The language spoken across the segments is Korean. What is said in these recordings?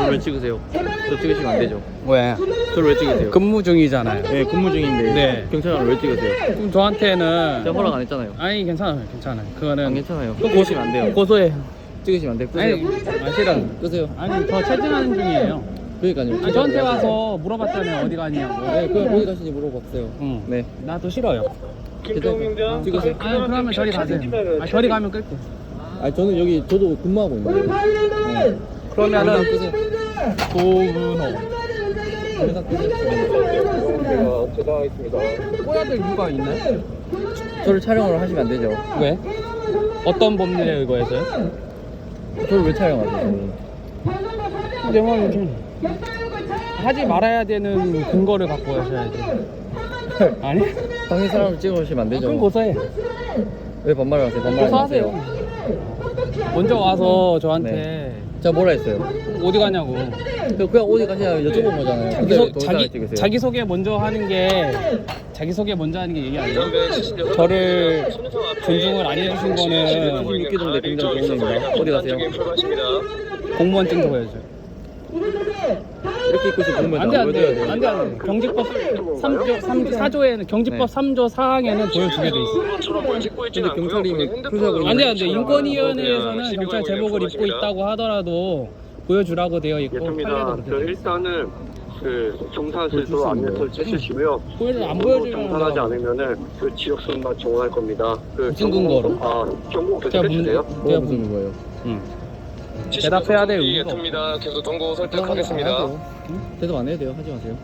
저를 왜 찍으세요? 저 찍으시면 안 되죠. 왜? 저를 왜 찍으세요? 근무 중이잖아요. 네, 근무 중인데 네. 경찰관을 왜 찍으세요? 그럼 저한테는 제가 허락 안 했잖아요. 아니 괜찮아요. 그거는 안 괜찮아요. 찍으시면 안 돼요. 고소해. 찍으시면 안 돼요. 아니, 끄세요. 싫어. 끄세요. 아니 저 체증하는 중이에요. 그러니까요. 아니, 저한테 와서 물어봤잖아요. 어디 가냐고. 네, 그럼 어디 가시는지 물어봤어요. 응. 네. 나도 싫어요. 괜찮아요. 찍으세요. 아니 그러면 저리 가세요. 아, 저리 가면 끌게. 아, 저는 여기 저도 근무하고 있는데. 네. 그러면은 끄세요. 도문호. 영상 끄세요. 꼬야 될 이유가 있나요? 저를 촬영을 하시면 안 되죠. 왜? 어떤 법률에 의거해서요? 저를 왜 촬영하세요? 내 말이지. 하지 말아야 되는 근거를 갖고 하셔야지. 아니? 당신 사람을 찍으시면 안 되죠. 그럼 고소해. 왜 반말을 하세요? 반말 고소하세요. 먼저 와서 저한테 제가 뭐라 했어요? 어디 가냐고. 그냥 어디 가시냐 여쭤본 거잖아요. 근데 자기 소개 먼저 하는 게 얘기 아니에요? 저를 존중을 안 해주신 거는 26기 정도 굉장히 좋은 겁니다. 어디 가세요? 공무원증도 보여줘요. 이렇게 입고 있으면 보면 안돼. 경직법 4조에는 경직법 3조 4항에는 보여주게 돼 있어. 근데 경찰이 표시하고 안돼. 인권위원회에서는 경찰 제복을 입고 있다고 하더라도 보여주라고 되어 있고 예쁩니다. 판례도 그렇게 돼 있어. 일단은 그 정산실도 안내서를 째주시고요. 안 보여주면 정산하지 않으면은 그 지역선만 정원할 겁니다. 그 무슨 근거로? 경고 제가 계속해주세요. 뭐가 무슨 거예요? 응. 대답해야 될 이유가 없어. 예쁩니다. 계속 동고 안 해도 대답 안 해도 돼요. 하지 마세요.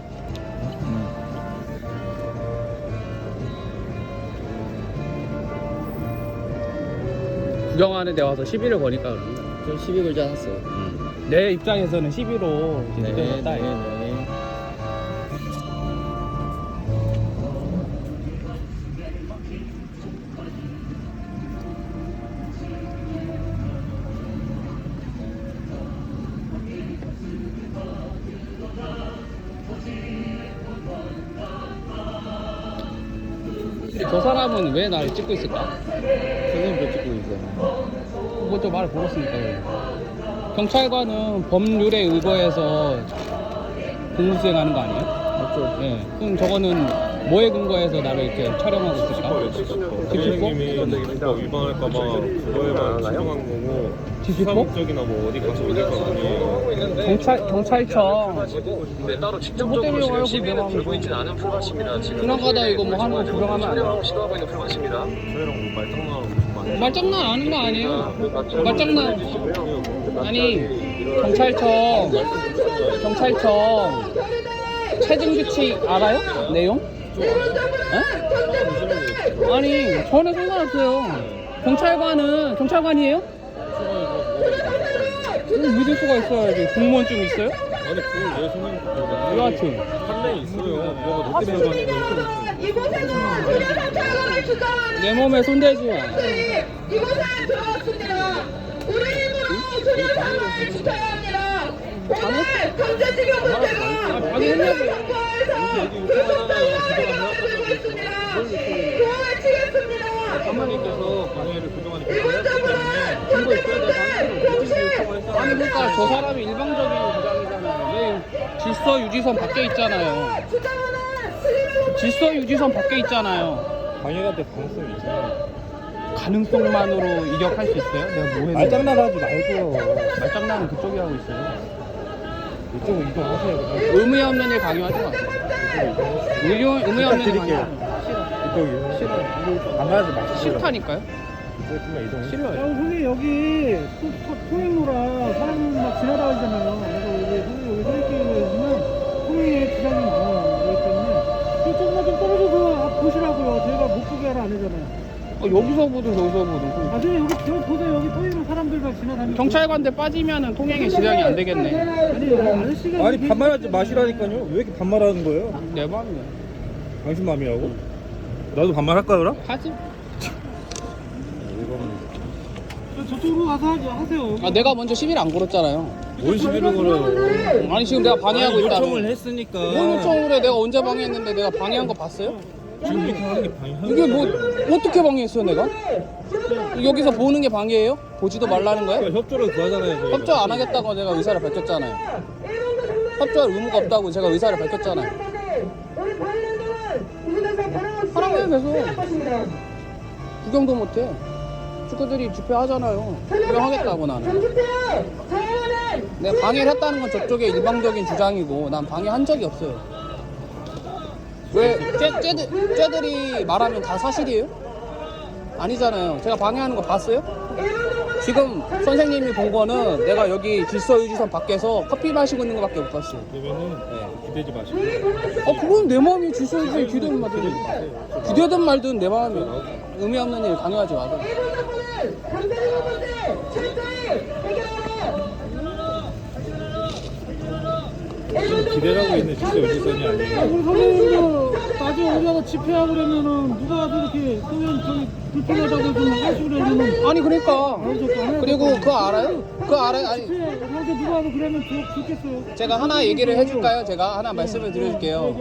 구경하는 데 와서 시비를 거니까 그런 거야. 저 시비 걸지 않았어요. 내 입장에서는 시비로 네, 느껴졌다. 네. 저 사람은 왜 나를 찍고 있을까? 선생님 왜 찍고 있어요? 그것도 말을 물었으니까 그래. 경찰관은 법률에 의거해서 공무수행하는 거 아니에요? 맞죠? 네. 그럼 저거는 뭐에 근거해서 나를 이렇게 촬영하고 있을까? 선생님이 법 위반할까봐 그거에만 추정한 거고 지시법? 수사목적이나 뭐 어디 가서 이럴 건 아니에요. 경찰청 네, 따로 뭐 직접적으로 때문에 지금 와요, 시비는 그게 들고 있지는 않은 풀밭입니다. 지금 지나가다 이거 뭐 하는 거 구경하면 안 촬영하고 시도하고 있는 풀밭입니다. 저희랑 뭐 말장난하고 무슨 말이에요. 말장난 아는 거 아니에요? 말장난 해주시고요. 아니 경찰청 체증 규칙 알아요? 내용? 어? 아니 전혀 상관없어요. 경찰관이에요? 믿을 수가 있어야지. 공무원증 있어요? 아니 그걸 왜 선생님 여하튼 판례 있어요. 누가 너 때문에 가는 거 내 몸에 손대지 마. 이곳에 들어왔습니다. 우리 힘으로 수리를 지켜야 합니다. 오늘 강제징용 문제가 방해했냐고. 도움을 치겠습니다. 사모님께서 방해를 그동안 증거 있어야 돼. 아니 그러니까 저 사람이 일방적인 주장이잖아요. 왜 질서 유지선 밖에 있잖아요. 질서 유지선 밖에 있잖아요. 방해가 될 가능성이 있잖아요. 가능성만으로 이격할 수 있어요? 내가 뭐 했는데? 말장난하지 말고요. 말장난은 그쪽이 하고 있어요. 이쪽으로 이동하세요. 의미 없는 일 강요하지 마세요. 의미 없는 일 드릴게요. 강요하지 이쪽이요. 싫어요. 반말하지 마시고. 싫다니까요? 이쪽만 이동. 싫어요. 선생님 여기 통행로라 사람 막 지나다니잖아요. 그래서 여기 선생님 여기 서있기는 통행에 지장이 많아요. 그렇기 때문에 조금만 좀 떨어져서 보시라고요. 저희가 못 보게 하라 안 하잖아요. 여기서 보든 저기서 보든. 나중에 여기 보세요. 여기 통행로 사람들 막 지나다니고. 경찰관대 빠지면은 통행에 지장이 안 되겠네. 아니 아저씨가 아니 반말하지 마시라니까요. 왜 이렇게 반말하는 거예요? 내 마음이야. 당신 마음이라고? 나도 반말할까요, 그럼? 하지. 저쪽으로 가서 하세요. 아 내가 먼저 시비를 안 걸었잖아요. 뭔 시비를 걸어요? 아니 지금 내가 방해하고 있다. 요청을 했으니까. 뭔 요청을 해? 내가 언제 방해했는데 내가 방해한 거 봤어요? 지금 이렇게 하는 게 방해. 이게 뭐 어떻게 방해했어요 내가? 여기서 보는 게 방해예요? 보지도 말라는 거예요? 그러니까 협조를 구하잖아요. 저희가. 협조 안 하겠다고 제가 의사를 밝혔잖아요. 협조할 의무가 없다고 제가 의사를 밝혔잖아요. 하라고요 계속. 구경도 못해. 축구들이 집회하잖아요. 구경하겠다고 나는. 내가 방해를 했다는 건 저쪽의 일방적인 주장이고 난 방해한 적이 없어요. 왜 쟤들이 말하면 다 사실이에요? 아니잖아요. 제가 방해하는 거 봤어요? 지금 선생님이 본 거는 내가 여기 질서유지선 밖에서 커피 마시고 있는 거밖에 못 봤어요. 그러면은 기대지 마시고. 그건 내 마음이 질서유지선 기대든 말든 기대든 말든 내 마음이 의미 없는 일 강요하지 마세요. 지금 기대라고 있는 질서 유지선이 아니에요. 우리 선생님도 나중에 우리가 집회하고 그러면은 누가 이렇게 그러면 저기 불편하다고 좀 하시고 그러면은 아니 그러니까 그리고 그거 알아요? 그거 알아요? 아니 집회 이렇게 누가 하고 그러면 좋겠어요. 제가 하나 얘기를 해줄까요? 제가 하나 말씀을 드릴게요.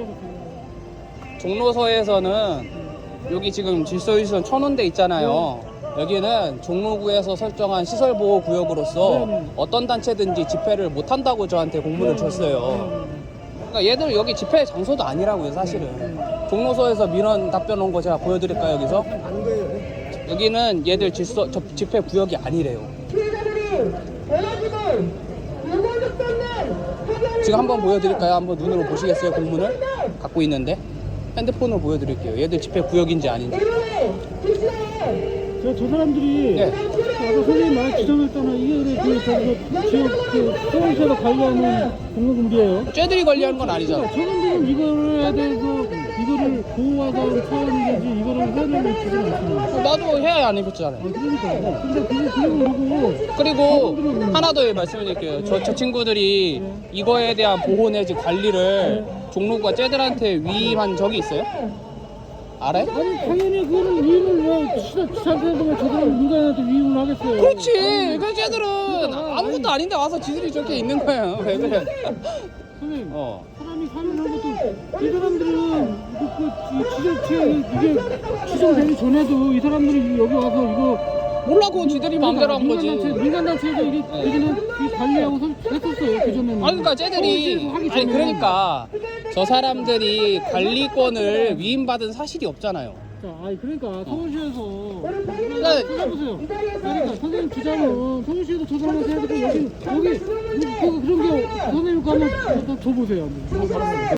종로서에서는 여기 지금 질서유지선 천원대 있잖아요. 여기는 종로구에서 설정한 시설보호구역으로서 어떤 단체든지 집회를 못한다고 저한테 공문을 줬어요. 그러니까 얘들 여기 집회 장소도 아니라고요 사실은. 종로서에서 민원 답변 온 거 제가 보여드릴까요 여기서? 여기는 얘들 집회 구역이 아니래요. 지금 한번 보여드릴까요? 한번 눈으로 보시겠어요 공문을? 갖고 있는데 핸드폰으로 보여드릴게요. 얘들 집회 구역인지 아닌지. 저 사람들이 네. 아까 선생님 말 지정했잖아. 이게 저기서 지역 서울시에서 관리하는 공무금비예요. 쟤들이 관리하는 건 아니잖아. 저분들은 이거를 대해서 이거를 보호하던 차원이지 이거를 해야 되는 기준이 없어요. 나도 해야 안 입혔잖아요. 그러니까. 근데 그거 모르고 그리고 하나 더 말씀드릴게요. 저 친구들이 이거에 대한 보호 내지 관리를 종로구가 쟤들한테 위임한 적이 있어요? 알아요? 아니 당연히 그거는 위임을 왜 지자체한테 왜 저들은 민간한테 위임을 하겠어요. 그렇지. 그 쟤들은 아무것도 아닌데 와서 지들이 저렇게 있는 거예요. 왜 그래? 선생님 사람이 사는 것도 이 사람들은 지자체 이게 지정되기 전에도 이 사람들이 여기 와서 이거 몰라 그건 지들이 마음대로 한 거지. 민간단체에서 이게 여기는 이 관리하고 했었어요 그전에는. 그러니까 쟤들이 아니 그러니까 저 사람들이 관리권을 위임받은 사실이 없잖아요. 자, 그러니까 서울시에서 그러니까 찾아보세요. 그러니까 선생님 주장은 서울시에서 저 사람한테 해야 되고 여기 그런 게 선생님 거 한번 줘보세요.